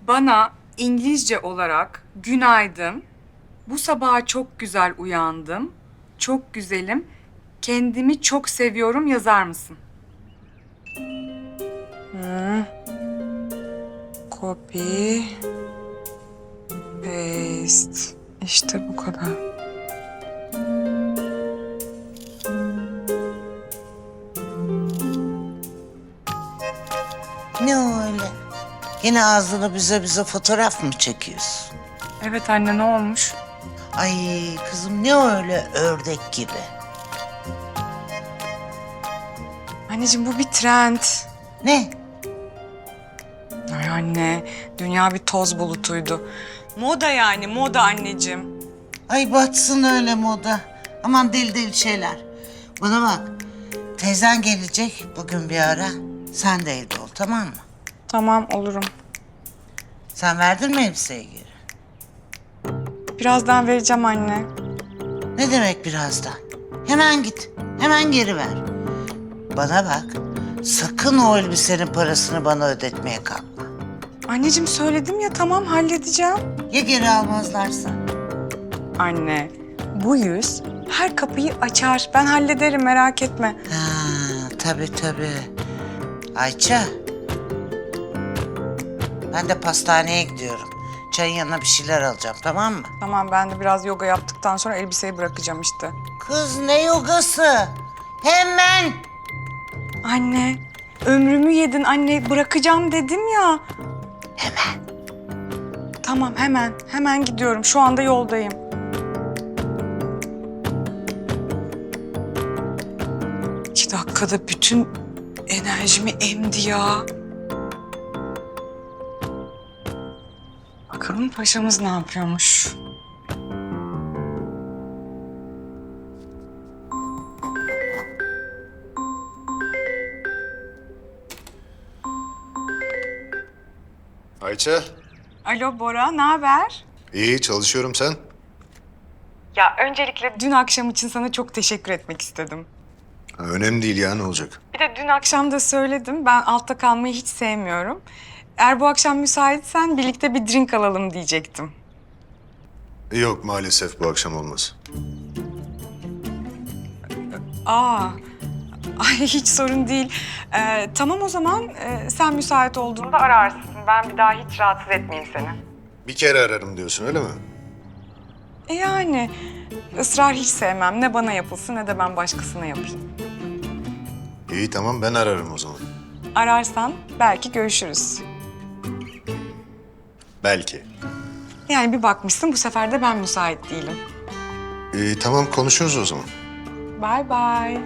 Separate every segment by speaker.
Speaker 1: Bana İngilizce olarak günaydın, bu sabaha çok güzel uyandım, çok güzelim, kendimi çok seviyorum yazar mısın? Copy, paste. İşte bu kadar.
Speaker 2: Ne o öyle? Yine ağzını bize fotoğraf mı çekiyorsun?
Speaker 1: Evet anne, ne olmuş?
Speaker 2: Ay kızım ne o öyle ördek gibi?
Speaker 1: Anneciğim bu bir trend.
Speaker 2: Ne?
Speaker 1: Ay anne, dünya bir toz bulutuydu. Moda yani, moda anneciğim.
Speaker 2: Ay batsın öyle moda. Aman deli deli şeyler. Bana bak. Teyzen gelecek bugün bir ara. Sen de evde ol, tamam mı?
Speaker 1: Tamam, olurum.
Speaker 2: Sen verdin mi elbiseyi geri?
Speaker 1: Birazdan vereceğim anne.
Speaker 2: Ne demek birazdan? Hemen git. Hemen geri ver. Bana bak. Sakın o elbisenin parasını bana ödetmeye kalkma.
Speaker 1: Anneciğim söyledim ya, tamam halledeceğim.
Speaker 2: Ya geri almazlarsa?
Speaker 1: Anne, bu yüz her kapıyı açar. Ben hallederim, merak etme.
Speaker 2: Ha, tabii. Ayça. Ben de pastaneye gidiyorum. Çayın yanına bir şeyler alacağım, tamam mı?
Speaker 1: Tamam, ben de biraz yoga yaptıktan sonra elbiseyi bırakacağım işte.
Speaker 2: Kız ne yogası? Hemen.
Speaker 1: Anne, ömrümü yedin anne. Bırakacağım dedim ya.
Speaker 2: Hemen.
Speaker 1: Tamam, hemen gidiyorum. Şu anda yoldayım. İki dakikada bütün enerjimi emdi ya. Bakalım paşamız ne yapıyormuş?
Speaker 3: Ayça,
Speaker 1: Alo Bora, ne haber?
Speaker 3: iyi çalışıyorum sen.
Speaker 1: Ya öncelikle dün akşam için sana çok teşekkür etmek istedim.
Speaker 3: Ha, önemli değil ya, ne olacak?
Speaker 1: Bir de dün akşam da söyledim, ben altta kalmayı hiç sevmiyorum. Eğer bu akşam müsaitsen birlikte bir drink alalım diyecektim.
Speaker 3: Yok maalesef bu akşam olmaz.
Speaker 1: Aa, ay hiç sorun değil. Tamam o zaman sen müsait olduğunda ararsın. Ben bir daha hiç rahatsız etmeyeyim seni.
Speaker 3: Bir kere ararım diyorsun öyle mi?
Speaker 1: Yani ısrar hiç sevmem. Ne bana yapılsın ne de ben başkasına yapayım.
Speaker 3: İyi tamam ben ararım o zaman.
Speaker 1: Ararsan belki görüşürüz.
Speaker 3: Belki.
Speaker 1: Yani bir bakmışsın bu sefer de ben müsait değilim.
Speaker 3: İyi tamam konuşuruz o zaman.
Speaker 1: Bye bye.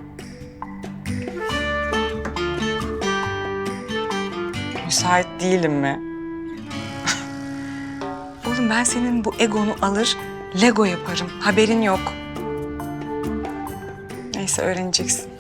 Speaker 1: Müsait değilim mi? Oğlum ben senin bu egonu alır, Lego yaparım. Haberin yok. Neyse öğreneceksin.